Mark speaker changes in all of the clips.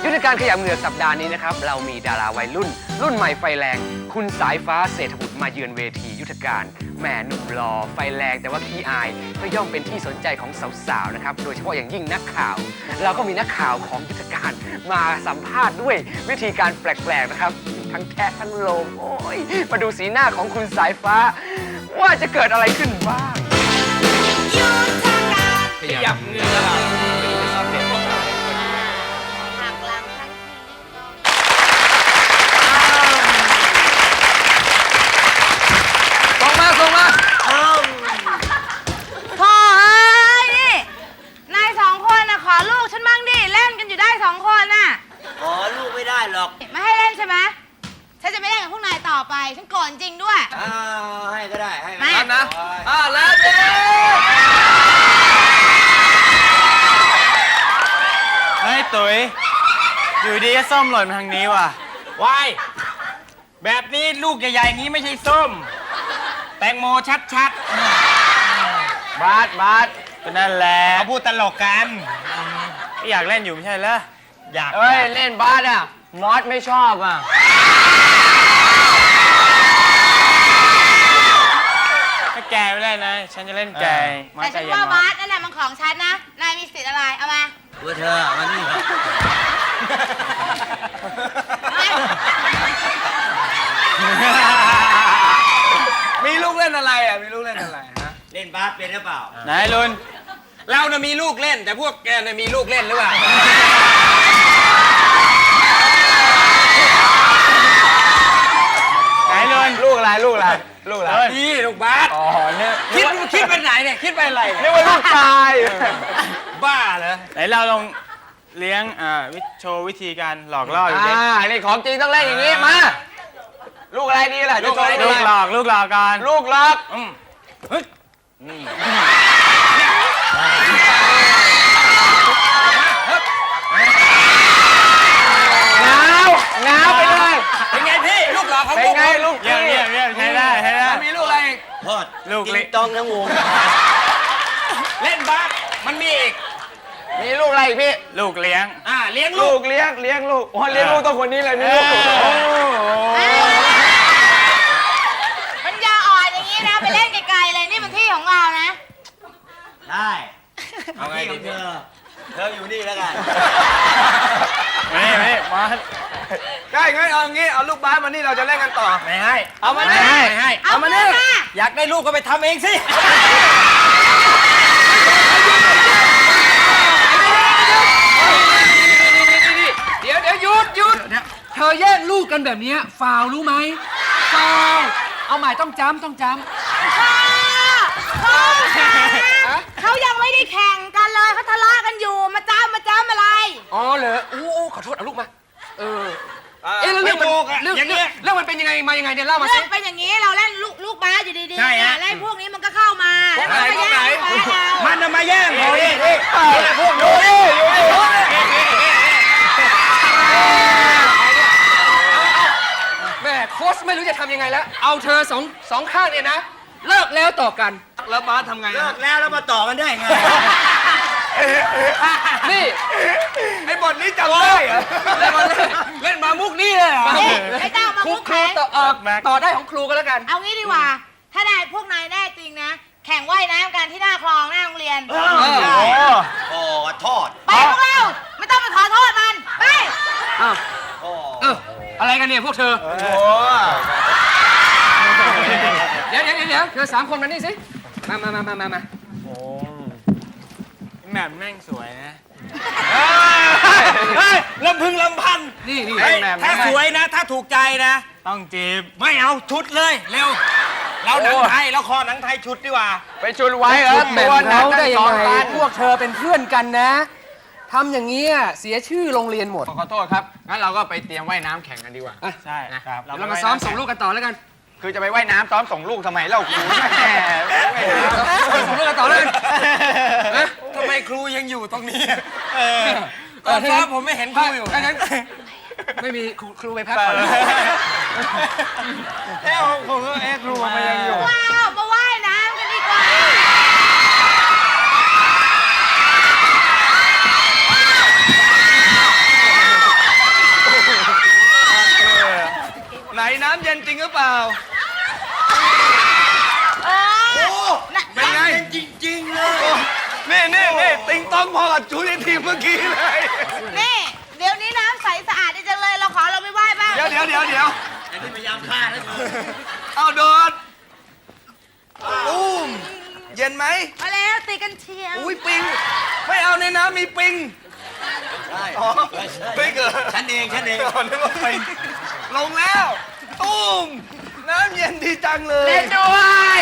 Speaker 1: ยุทธการขยับเหงือกสัปดาห์นี้นะครับเรามีดาราวัยรุ่นใหม่ไฟแรงคุณสายฟ้าเศรษฐบุตรมาเยือนเวทียุทธการแหมหนุ่มหล่อไฟแรงแต่ว่าขี้อายก็ย่อมเป็นที่สนใจของสาวๆนะครับโดยเฉพาะอย่างยิ่งนักข่าว เราก็มีนักข่าวของยุทธการมาสัมภาษณ์ด้วยวิธีการแปลกๆนะครับทั้งแทะทั้งโลมโอ้ยมาดูสีหน้าของคุณสายฟ้าว่าจะเกิดอะไรขึ้นบ้างขยับเหงือก
Speaker 2: หักหลังทั้งที
Speaker 1: ส่งมาพ่อเอ้
Speaker 2: ยนี่นายสองคนน่ะขอลูกฉันบ้างดิเล่นกันอยู่ได้สองคนน่ะ
Speaker 3: ขอลูกไม่ได้หรอก
Speaker 2: ไม่ให้เล่นใช่ไหมฉันจะไม่เล่นกับพวกนายต่อไปฉันโกรธจริงด้วย
Speaker 3: ให้ก็ได้ให้
Speaker 2: ไม่
Speaker 1: นะแล้วเด้
Speaker 4: เฮ้ยตุ๋ยอยู่ดีก็ส้มหล่นมาทางนี้ว่ะ
Speaker 3: วายแบบนี้ลูกใหญ่ๆอย่างนี้ไม่ใช่ส้มแตงโมชัด
Speaker 4: บาสก็นั่นแหละ
Speaker 3: เขาพูดตลกกัน
Speaker 4: อยากเล่นอยู่ไม่ใช่เหรอ
Speaker 3: อยาก
Speaker 4: เล่นบาสอ่ะมอสไม่ชอบอ่ะถ้าแกไม่ได้นะฉันจะเล่นแก
Speaker 2: แต่ฉันว่าบาสนั่นแหละมันของฉันนะนายมีสิทธิ์อะไรเอามา
Speaker 3: ตัวเธอมานี่
Speaker 1: มีลูกเล่นอะไรอ่ะมีลูกเล่นอะไรฮะ
Speaker 3: เล่นบาสเป็นหรือเปล่า
Speaker 4: ไหนลุน
Speaker 3: เราน่ะมีลูกเล่นแต่พวกแกน่ะมีลูกเล่นหรือเปล่า
Speaker 4: ไหนลุนลูกอะไร
Speaker 3: นี่ลูกบาส
Speaker 4: อ๋อเนี่ย
Speaker 3: คิดเป็นไหนเนี่ยคิดเป็นอะไร
Speaker 4: เรียกว่าลูกชาย
Speaker 3: บ้าเหรอ
Speaker 4: ไหนเราลองเลี้ยงโชว์วิธีการหลอกล่ออยู่ดิ
Speaker 1: นี่ของจริงต้องเล่นอย่างนี้มาลูกอะไรดีล่ะ
Speaker 4: ลูกหลอกกัน
Speaker 1: ลูกหลอกง้าวไปเลย
Speaker 3: เป็นไงพี่ลูกหลอกของ
Speaker 1: เป็นไงลูก
Speaker 4: เยี่ยมใช้ได้
Speaker 1: มีลูกอะไร
Speaker 3: ทอด
Speaker 4: ลูก
Speaker 3: เล็กต้องทั้งวงเล่นบาสมันมีอีก
Speaker 1: มีลูกอะไรพี่
Speaker 4: ลูกเลี้ยง
Speaker 3: เลี้ยงลูก
Speaker 1: เลี้ยงลูกอ๋อเลี้ยงลูกต้องคนนี้เลยมีลูก
Speaker 2: มันยาอ่อนอย่างนี้นะไปเล่นไกลๆเลยนี่มันที่ของเรานะ
Speaker 3: ได้เอาไงดีเธออยู่นี่แล้วกัน
Speaker 4: ไม่มา
Speaker 1: ใช่งั้นเอางี้เอาลูกบาสมานี่เราจะเล่นกันต่อ
Speaker 3: ไม่ให้
Speaker 1: เอามานี่
Speaker 2: เอามานี่
Speaker 3: อยากได้ลูกก็ไปทำเองสิ
Speaker 1: เดี๋ยวหยุดเธอแย่งลูกกันแบบนี้ฟาวรู้ไหมฟาวเอาใหม่ต้องจำ
Speaker 2: เขายังไม่ได้แข่งกันเลยเขาทะเลาะกันอยู่มาจ้ำอะไร
Speaker 1: อ๋อเหรอขอโทษเอาลูกมาเรื่องมันเป็นยังไงมายังไงเนี่ยเล่ามาสิ
Speaker 2: เรื่องเป็นอย่างนี้เราเล่นลูกบาสอยู่ดีๆแล้วพวกนี้มันก็เข้ามาแล้วมันมาแย่ง
Speaker 3: มันจะมาแย่งเขาดิ
Speaker 1: พวกอยู่ดิแม่โค้ชไม่รู้จะทำยังไงแล้วเอาเธอสองข้างเนี่ยนะเลิกแล้วต่อกันแล้วบาสทำไง
Speaker 3: เลิกแล้วมาต่อกันได้ไง
Speaker 1: นี่ไอ้บทนี้จำได้เหรอเล่นมามุกนี่เลยเหรอ
Speaker 2: ไม่ต้องมามุก
Speaker 1: ครูต่อได้ของครูก็แล้วกัน
Speaker 2: เอางี้ดีกว่าถ้าได้พวกนายแน่จริงนะแข่งว่ายน้ำกันที่หน้าคลองหน้าโรงเรียน
Speaker 3: โทษ
Speaker 2: ไปพวกเราไม่ต้องไปขอโทษมันไป
Speaker 1: อะไรกันเนี่ยพวกเธอเดี๋ยวเธอ3 คนมานี่สิมา
Speaker 4: โอ้แม่แม่งสวยนะ
Speaker 3: ลำพึงลำพัน
Speaker 1: นี่
Speaker 3: ถ้าสวยนะถ้าถูกใจนะ
Speaker 4: ต้องจีบ
Speaker 3: ไม่เอาชุดเลยเร็วเราหนังไทยเราคอหนังไทยชุดดีกว่า
Speaker 1: ไปชุดไว้เหรอตัวเขาได้ยังไงพวกเธอเป็นเพื่อนกันนะทำอย่างนี้เสียชื่อโรงเรียนหมดขอโทษครับงั้นเราก็ไปเตรียมว่ายน้ำแข่งกันดีกว่า
Speaker 4: ใช่
Speaker 1: ครับเรามาซ้อมส่งลูกกันต่อแล้วกันคือจะไปว่ายน้ำซ้อมส่งลูกทำไมเล่าครูส่งลูกกันต่อเลย
Speaker 3: ทำไมครูยังอยู่ตรงนี้ตอนซ้อมผมไม่เห็นครูอยู่
Speaker 1: ไม่มีครูไปพักก่อน
Speaker 3: ครูมันยังอยู่
Speaker 2: ว้าวมาว่ายน้ำกันดีกว่า
Speaker 1: เำเย็นจริงหรือเปล่า
Speaker 2: โอ้เป็นไง
Speaker 3: จริงๆเลย
Speaker 1: นี่ติงต้องพอกับจูนี่ทีมเมื่อกี้เลย
Speaker 2: นี่เดี๋ยวนี้น้ำใสสะอาดดีจังเลยเราขอเราไม่ไหว้บ้าง
Speaker 1: เดี๋ยว
Speaker 3: อันนี้พยายามฆ่านะ
Speaker 1: เอาโดดตุ้มเย็นไหม
Speaker 2: มาแล้วตีกันเชียว
Speaker 1: อุ้ยปิง ไม่เอาในน้ำมีปิง
Speaker 3: ใช่
Speaker 1: อ๋อปิงเหรอ
Speaker 3: ฉันเอง
Speaker 1: อ๋อนึกว่าปิงลงแล้ว ตุ้ม น้ำเย็นดีจังเลย
Speaker 3: เล่นด้วย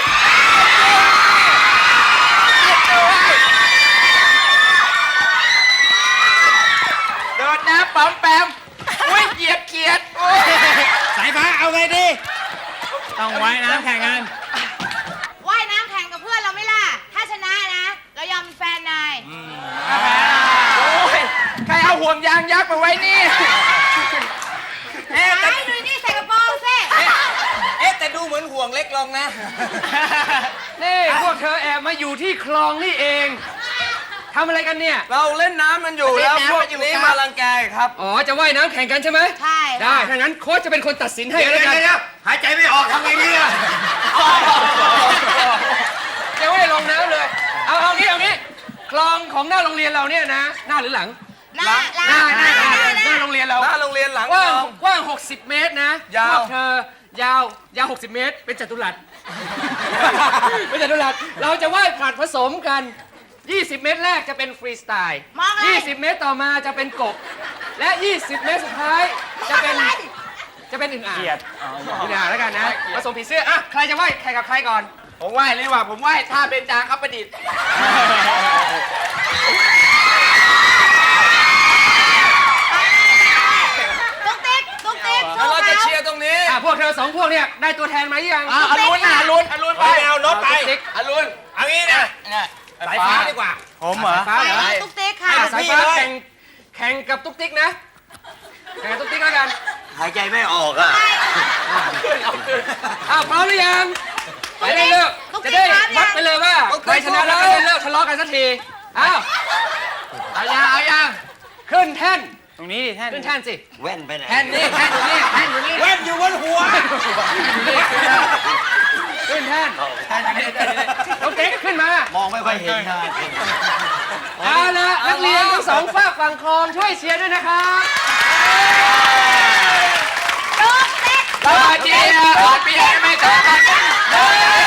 Speaker 3: โดดน้ำป๋อมแปมอุ้ยเหยียบเขียดสายฟ้าเอาไงดี
Speaker 4: ต้องไว้น้ำแข่งกัน
Speaker 2: ว่ายน้ำแข่งกับเพื่อนเราไหม่ล่ะ ถ้าชนะนะ เรายอมเป็นแฟนนาย
Speaker 3: โอ้ยใครเอาห่วงยางยักษ์มาไว้นี่
Speaker 2: ไอ้ดูนี่ใส่กระโปรงสิ
Speaker 3: แต่ดูเหมือนห่วงเล็กลงนะ
Speaker 1: นี่พวกเธอแอบมาอยู่ที่คลองนี่เองทำอะไรกันเนี่ย เราเล่นน้ำมันอยู่แล้วพวกนี้มารังแกครับ อ๋อ จะว่ายน้ำแข่งกันใช่ไหม
Speaker 2: ใช่
Speaker 1: ได้ ถ้างั้นโค้ชจะเป็นคนตัดสินให้แล้วกัน
Speaker 3: หายใจไม่ออกทำไงดีอะ
Speaker 1: ยังไม่ได้ลงน้ำเลย เอางี้ คลองของหน้าโรงเรียนเราเนี่ยนะ หน้าหรือหลัง
Speaker 2: หน้า
Speaker 1: หน้าโรงเรียนเรา
Speaker 5: หน้าโรงเรียนหลัง
Speaker 1: กว้าง
Speaker 5: คลอง
Speaker 1: กว้าง 60 เมตรนะ
Speaker 5: ยาว
Speaker 1: พวกเธอยาว 60 เมตร เป็นจัตุรัส เป็นจัตุรัส เราจะว่ายผลัดผสมกัน 20 เมตรแรกจะเป็นฟรีสไตล์
Speaker 2: มองเลย
Speaker 1: 20 เมตรต่อมาจะเป็นกบ และ 20 เมตรสุดท้ายจะเป็นอึ่งอ่าง
Speaker 4: เกียด
Speaker 1: อึ่งอ่างแล้วกันนะ ผสมผีเสื้อ อ่ะ ใครจะว่ายแข่งกับใครก่อน
Speaker 3: ผมไหว้เลยว่าผมไหว้ท่าเป็นจางครับประดิษฐ์
Speaker 2: ตุ๊กติ๊กตุ๊กติ๊ก
Speaker 5: แล้วเราจะเชียร์ตรงนี้
Speaker 1: อ่ะ พวกเธอสองพวกเนี่ยได้ตัวแทนมาหรือยัง
Speaker 3: อรุณไปเอารถไป
Speaker 1: ตุ๊กติ๊ก
Speaker 3: อรุณเอางี้นะสายฟ้าดีกว่า
Speaker 4: ผมเหรอ
Speaker 1: ฟ้าเหรอ
Speaker 2: ตุ๊กติ๊กค่ะ
Speaker 1: อ่ะสายฟ้า
Speaker 3: พี่เลย
Speaker 1: แข่งกับตุ๊กติ๊กนะ แข่งกับตุ๊กติ๊กแล้วกัน
Speaker 3: หายใจไม่ออกอ่ะ
Speaker 1: อ้าวพร้อมหรือยังจะได้เลิก
Speaker 2: ตุ๊กติ๊
Speaker 1: จะ
Speaker 2: ก
Speaker 1: ได้
Speaker 2: พร้อมยัง
Speaker 1: วัดไปเลยว่าใครชนะแล้วจะได้เลิกทะเลาะกันสักที อ้าว
Speaker 3: เอายัง
Speaker 1: ขึ้นแท่น
Speaker 4: ตรงนี้ดิแท่น
Speaker 1: ขึ้นแท่นสิ
Speaker 3: แว่นไปไหน
Speaker 1: แท่นนี่แท่นอยู่นี่แท่นอยู่นี่
Speaker 3: แว่นอยู่บนหัว
Speaker 1: ขึ้นแท่นตุ๊กติ๊กขึ้นมาม
Speaker 3: องไม่ค่อยเห็นทาง
Speaker 1: เอาละนักเรียนทั้งสองฝากฝั่งคลองช่วยเชียร์ด้วยนะครับ
Speaker 2: ตุ๊กติ๊ก
Speaker 3: สวัสดีนะสวัสดีไม่ต่อกัน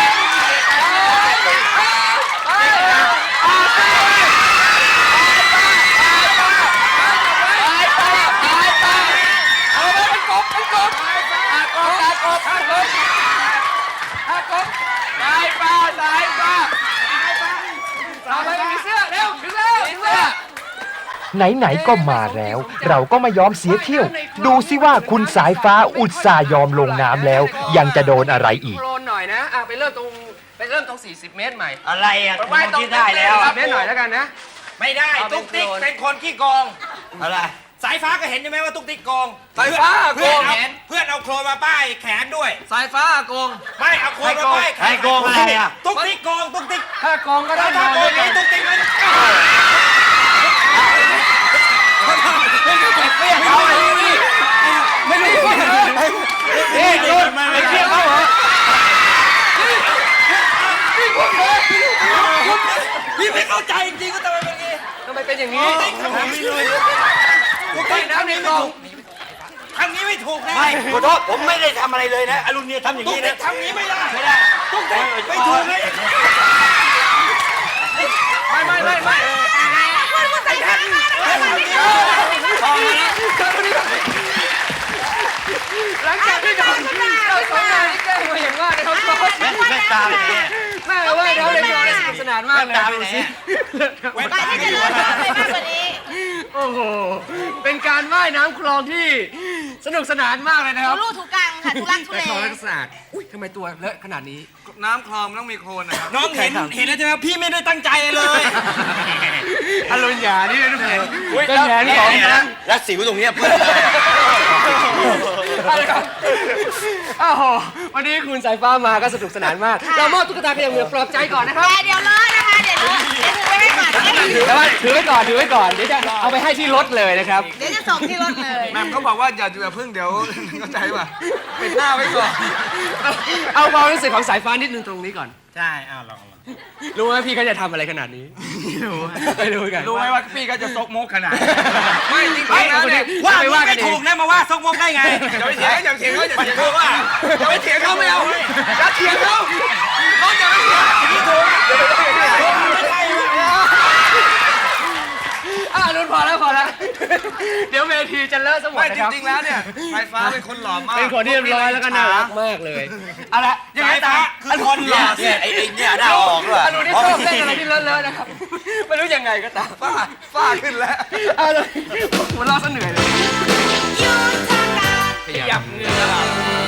Speaker 3: สายฟ้า
Speaker 1: เอาไปมีเสื้อเร็วถึงแล้วถึงแล้ว
Speaker 6: ไหนๆก็มาแล้ว เราก็ไม่ยอมเสียเที่ยว ดูสิว่าคุณสายฟ้าอุตส่าห์ยอมลงน้ำแล้ว ยังจะโดนอะไรอีก
Speaker 1: โคลนหน่อยนะอ่ะไปเริ่มตรง 40 เมตรใหม่
Speaker 3: อะไรอ่ะไม่ต้องได้แล้ว
Speaker 1: 40 เมตรหน่อยแล้วกันนะ
Speaker 3: ไม่ได้
Speaker 1: เอาเป็น
Speaker 3: ตุ๊กติ๊ก
Speaker 1: โคลน
Speaker 3: เป็นคนขี้โกงอะไรสายฟ้าก็เห็นใช่ไหมว่าตุ๊กติ๊กโกง
Speaker 5: สายฟ้าโก
Speaker 3: เพื่อน
Speaker 5: ง
Speaker 3: เอาเพื่อนเอาโครนมาป้ายแขนด้วย
Speaker 5: สายฟ้าโกง
Speaker 3: ไม่เอาโครนมาป้ายแขน
Speaker 5: ใครโกงอะไรอ่ะ
Speaker 3: ตุ๊กติ๊กโกงตุ๊กติ๊ก
Speaker 1: ถ้ากองก็ได้
Speaker 3: ถ้าโกงนี้ตุ๊กติ๊กมัน
Speaker 1: ไม่รู้ว่านี่โดนไปเที่ยวเขาเหรอ
Speaker 3: พี่ไม่เข้าใจจริงๆก็ทำไมเป็นอย่างนี้
Speaker 1: ทำไมเป็นอย่างนี้
Speaker 3: ตุ๊กติ๊กน้ำในกองทำนี้ไม่ถูกนะไม่ขอโทษผมไม่ได้ทำอะไรเลยนะอรุณเนี่ยทำอย่างนี้นะทำนี้ไม่ได้ตุ๊กติ๊กไม่ถูกเลย
Speaker 1: ไม่
Speaker 2: คุณใส่ผ้ามาแล้ว
Speaker 1: หลังจากที่โดนเราสองนายแกล้งมาอย่างว่านะครับ
Speaker 3: ไม่ตามเลย
Speaker 1: แม่ว่าเราเล่นบอลสนุกสนานมากเลย
Speaker 3: ดูสิ
Speaker 2: บ้านที่จะเลิกไปมากกว่านี้
Speaker 1: โอ้โหเป็นการว่ายน้ำคลองที่สนุกสนานมากเลยนะครับ
Speaker 2: ลูกถูกกังค่ะทุลักทุ
Speaker 1: แต่
Speaker 2: เล
Speaker 1: คลองรักษาอุ้ยทำไมตัวเลอะขนาดนี้
Speaker 5: น้ำคลองมันต้องมีโคลนนะครับ
Speaker 3: น้องเห็นแล้วใช่ไหมพี่ไม่ได้ตั้งใจเลย
Speaker 1: อรุณหยานี่เป็นแผนเป็นแผนของ
Speaker 3: แล้วสิวตรงนี้เพื่อนเลย
Speaker 1: อะไรครับอ้าวโหวันนี้คุณสายฟ้ามาก็สนุกสนานมาก เรามอบตุ๊กตาขยะเหงื่อปลอบใจก่อนนะครับ
Speaker 2: แต่เดี๋ยวเลิกนะคะ เดี๋ยว
Speaker 1: แต่ว่าถือไว้ก่อนเดี๋ยวจะเอาไปให้ที่รถเลยนะครับ
Speaker 2: เดี๋ยวจะส่งที่รถเลย
Speaker 5: แม่เขาบอกว่าอย่าเพิ่งเดี๋ยวเข้าใจป่ะปิดหน้าไว้ก่อน
Speaker 1: เอาความรู้สึกของสายฟ้านิดนึงตรงนี้ก่อน
Speaker 4: ใช่ลอง
Speaker 1: รู้ไหมพี่เขาจะทำอะไรขนาดนี้ ไม่รู้กัน
Speaker 5: รู้ไหมว่าพี่ก็จะซกมกขนาดไม่จริงๆนะเนี่ย
Speaker 3: ว่าไม่ถูกนะมาว่าซกมกได้ไง
Speaker 5: อย่าไปเถียงเขาอย่าไปเถียงเขาว่าอย่าไปเถียงเขาไม่เอาอย่าเถียงเขาเขาจะไม่เถียงที่ถูก
Speaker 1: รุ่นพอแล้วเดี๋ยวเวทีจะเลอะสมด
Speaker 5: ไม่
Speaker 1: นะ
Speaker 5: จ
Speaker 1: ครับ
Speaker 5: ริงๆแล้วเนี่ยสายฟ้าเป็นคนหล่อมาก
Speaker 1: เป็นคนที่เรียบร้อยแล้วก็น่ารักมากเลยเอาละยังไง
Speaker 3: สาย
Speaker 1: ตา
Speaker 3: ฟ้าม คือคนหล่อเนี่ยไอ้เนี่ยหน้าออกด้วย
Speaker 1: อนุนี่ชอบเล่นอะไรที่เลอะๆนะครับไม่รู้ยังไงก็ตาม
Speaker 5: ฝ้าขึ้นแล้ว
Speaker 1: เอาเลยหัวเราะซะเหนื่อยเลย
Speaker 2: ยุทธการ
Speaker 1: ขยับเนื้อ